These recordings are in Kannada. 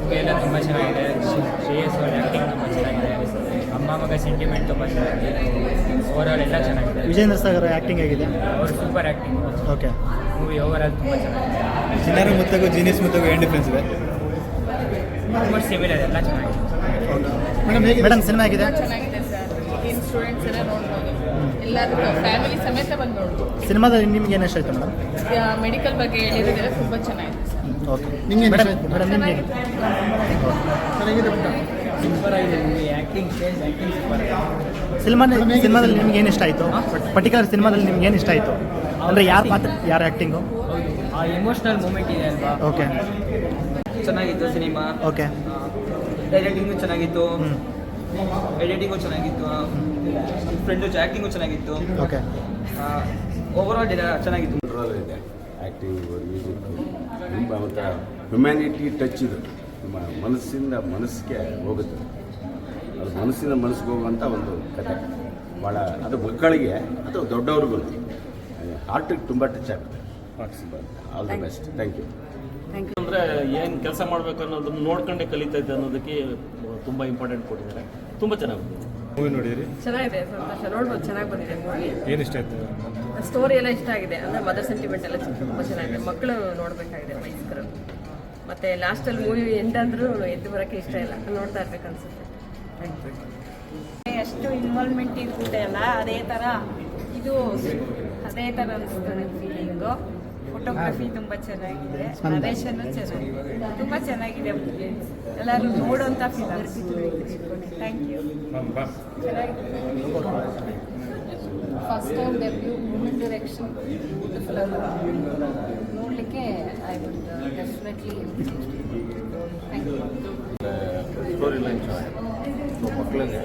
ಮೂವಿ ಎಲ್ಲ ತುಂಬ ಚೆನ್ನಾಗಿದೆ. ಶ್ರೇಯಸ್ ಅವ್ರ ಆ್ಯಕ್ಟಿಂಗ್ ತುಂಬ ಚೆನ್ನಾಗಿದೆ. ಅಮ್ಮ ಮಗ ಸೆಂಟಿಮೆಂಟ್ ತುಂಬ ಚೆನ್ನಾಗಿದೆ. ಓವರಾಲ್ ಎಲ್ಲ ಚೆನ್ನಾಗಿದೆ. ವಿಜೇಂದ್ರ ಸಾಗರ್ ಆ್ಯಕ್ಟಿಂಗ್ ಆಗಿದೆ. ಅವರು super acting. Okay. Movie overall ತುಂಬ ಚೆನ್ನಾಗಿದೆ. ಚಿನ್ನಾರ ಮುತ್ತಗೂ ಜೀನಿಯಸ್ ಮುತ್ತಗೂ ಏನು ಡಿಫ್ರೆನ್ಸ್ ಇದೆ? ಆಲ್ಮೋಸ್ಟ್ ಸಿಮಿಲರ್, ಎಲ್ಲ ಚೆನ್ನಾಗಿದೆ. ಮೇಡಮ್ ಸಿನಿಮಾ ಆಗಿದೆ. ಚೆನ್ನಾಗಿದೆ ಸರ್. ಏನು ಸ್ಟೂಡೆಂಟ್ಸ್ ಎಲ್ಲ ನೋಡ್ಬೋದು, ಎಲ್ಲರೂ ಫ್ಯಾಮಿಲಿ ಸಮೇತ ಬಂದು ನೋಡ್ಬೋದು. ಸಿನಿಮಾದಲ್ಲಿ ನಿಮ್ಗೆ ಏನು ಇಷ್ಟ ಆಯಿತು ಮೇಡಮ್? ಮೆಡಿಕಲ್ ಬಗ್ಗೆ ಹೇಳಿರೋದೆಲ್ಲ ತುಂಬ ಚೆನ್ನಾಗಿದೆ ಸರ್. ಓಕೆ. ನಿಮಗೆ ಮೇಡಮ್ ನಿಮಗೆ ಸೂಪರ್ ಆಗಿದೆ ಮೂವಿ. ಆ್ಯಕ್ಟಿಂಗ್ ಸೂಪರ್ ಆಗಿದೆ. ಸಿನಿಮಾದಲ್ಲಿ ನಿಮ್ಗೆ ಏನು ಇಷ್ಟ ಆಯಿತು? ಪರ್ಟಿಕ್ಯುಲರ್ ಸಿನಿಮಾದಲ್ಲಿ ನಿಮ್ಗೆ ಏನು ಇಷ್ಟ ಆಯಿತು ಅಂದರೆ ಯಾರ ಪಾತ್ರ, ಯಾರ ಆ್ಯಕ್ಟಿಂಗು? ಆ ಎಮೋಷ್ನಲ್ ಮೂಮೆಂಟ್ ಇದೆ ಅಲ್ವಾ. ಓಕೆ. ಚೆನ್ನಾಗಿತ್ತು ಸಿನಿಮಾ. ಓಕೆ. ಎಡಿಟಿಂಗು ಚೆನ್ನಾಗಿತ್ತು. ಎಡಿಟಿಂಗು ಚೆನ್ನಾಗಿತ್ತು. ಫ್ರೆಂಡು ಆ್ಯಕ್ಟಿಂಗು ಚೆನ್ನಾಗಿತ್ತು. ಓಕೆ. ಓವರಾಲ್ ಚೆನ್ನಾಗಿತ್ತು. ಇದೆ ಆ್ಯಕ್ಟಿಂಗ್, ಮ್ಯೂಸಿಕ್ ತುಂಬ ಒಂಥರ ಹ್ಯುಮ್ಯಾನಿಟಿ ಟಚ್ ಇದು. ನಮ್ಮ ಮನಸ್ಸಿಗೆ ಹೋಗುತ್ತೆ. ಅದು ಮನಸ್ಸಿಗೆ ಹೋಗುವಂಥ ಒಂದು ಕತೆ. ಭಾಳ ಅದು ಮಕ್ಕಳಿಗೆ ಅಥವಾ ದೊಡ್ಡವ್ರಿಗೂ ಹಾರ್ಟಿಗೆ ತುಂಬ ಟಚ್ ಆಗುತ್ತೆ. All the best. Thank you. ಅಂದರೆ ಏನು ಕೆಲಸ ಮಾಡಬೇಕು ಅನ್ನೋದನ್ನು ನೋಡ್ಕೊಂಡೇ ಕಲಿತಾ ಇದ್ದೆ ಅನ್ನೋದಕ್ಕೆ ತುಂಬ ಇಂಪಾರ್ಟೆಂಟ್ ಕೊಟ್ಟಿದ್ದಾರೆ. ತುಂಬ ಚೆನ್ನಾಗಿದೆ ಮೂವಿ. ನೋಡಿದ್ರಿ? ಚೆನ್ನಾಗಿದೆ, ಸಂತೋಷ. ನೋಡ್ಬೋದು, ಚೆನ್ನಾಗಿ ಬಂದಿದೆ ಮೂವಿ. ಏನು ಇಷ್ಟ ಆಯಿತು? ಸ್ಟೋರಿ ಎಲ್ಲ ಇಷ್ಟ ಆಗಿದೆ. ಅಂದರೆ ಮದರ್ ಸೆಂಟಿಮೆಂಟ್ ಎಲ್ಲ ತುಂಬ ಚೆನ್ನಾಗಿದೆ. ಮಕ್ಕಳು ನೋಡಬೇಕಾಗಿದೆ, ವಯಸ್ಕರು. ಮತ್ತು ಲಾಸ್ಟಲ್ಲಿ ಮೂವಿ ಎಂಟಾದರೂ ಎದ್ದು ಬರೋಕ್ಕೆ ಇಷ್ಟ ಇಲ್ಲ, ನೋಡ್ತಾ ಇರ್ಬೇಕು ಅನ್ಸುತ್ತೆ. ಎಷ್ಟು ಇನ್ವಾಲ್ವ್ಮೆಂಟ್ ಇರುತ್ತೆ ಅಲ್ಲ, ಅದೇ ಥರ ಇದು ಅದೇ ಥರ ಅನಿಸ್ತದೆ ಫೀಲಿಂಗು. ಫೋಟೋಗ್ರಫಿ ತುಂಬ ಚೆನ್ನಾಗಿದೆ, ನರೇಶನ್ನು ಚೆನ್ನಾಗಿದೆ, ತುಂಬ ಚೆನ್ನಾಗಿದೆ. ಎಲ್ಲರೂ ನೋಡೋಂಥ film. Thank you. First time debut women direction film ನೋಡಲಿಕ್ಕೆ I would definitely. Thank you. Story line ಮಕ್ಕಳಿಗೆ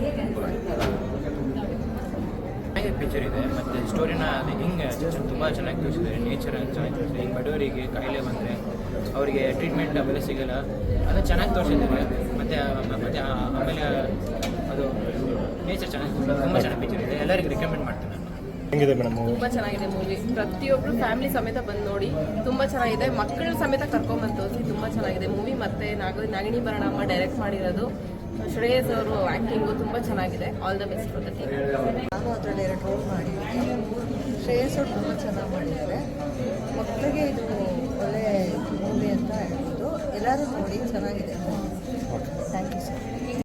ಪಿಕ್ಚರ್ ಇದೆ. ಮತ್ತು ಸ್ಟೋರಿನ ಅದು ಹಿಂಗೆ ತುಂಬ ಚೆನ್ನಾಗಿ ತೋರಿಸಿದ್ದಾರೆ. ನೇಚರ್ ಚೆನ್ನಾಗಿ ತೋರಿಸಿದ್ದಾರೆ. ಹಿಂಗೆ ಬಡವರಿಗೆ ಕಾಯಿಲೆ ಬಂದರೆ ಅವರಿಗೆ ಟ್ರೀಟ್ಮೆಂಟ್ ಅವೆಲ್ಲ ಸಿಗೋಲ್ಲ, ಅದು ಚೆನ್ನಾಗಿ ತೋರಿಸಿದ್ದಾರೆ. ಮತ್ತು ಆಮೇಲೆ ಅದು ನೇಚರ್ ಚೆನ್ನಾಗಿ ತುಂಬ ಚೆನ್ನಾಗಿ ಪಿಕ್ಚರ್ ಇದೆ. ಎಲ್ಲರಿಗೂ ರೆಕಮೆಂಡ್ ಮಾಡ್ತೀನಿ ನಾನು. ಹೆಂಗಿದೆ ಮೇಡಮ್? ತುಂಬ ಚೆನ್ನಾಗಿದೆ ಮೂವಿ. ಪ್ರತಿಯೊಬ್ಬರು ಫ್ಯಾಮಿಲಿ ಸಮೇತ ಬಂದು ನೋಡಿ. ತುಂಬ ಚೆನ್ನಾಗಿದೆ. ಮಕ್ಕಳ ಸಮೇತ ಕರ್ಕೊಂಡ್ಬಂದು ತೋರಿಸಿ ತುಂಬ ಚೆನ್ನಾಗಿದೆ ಮೂವಿ. ಮತ್ತು ನಾಗಿಣಿ ಭರಣಮ್ಮ ಡೈರೆಕ್ಟ್ ಮಾಡಿರೋದು. ಶ್ರೇಯಸ್ ಅವರು ಆ್ಯಕ್ಟಿಂಗು ತುಂಬ ಚೆನ್ನಾಗಿದೆ. All the best for the team. ನಾನು ಅದರಲ್ಲಿ 2 ರೋಲ್ ಮಾಡಿದ್ದೀನಿ. ಶ್ರೇಯಸ್ ಅವರು ತುಂಬ ಚೆನ್ನಾಗಿ ಮಾಡಿದ್ದಾರೆ. ಮಕ್ಕಳಿಗೆ ಇದು ಒಳ್ಳೆ ಮೂವಿ ಅಂತ ಹೇಳ್ಬೋದು. ಎಲ್ಲರೂ ನೋಡಿ, ಚೆನ್ನಾಗಿದೆ. Thank you sir.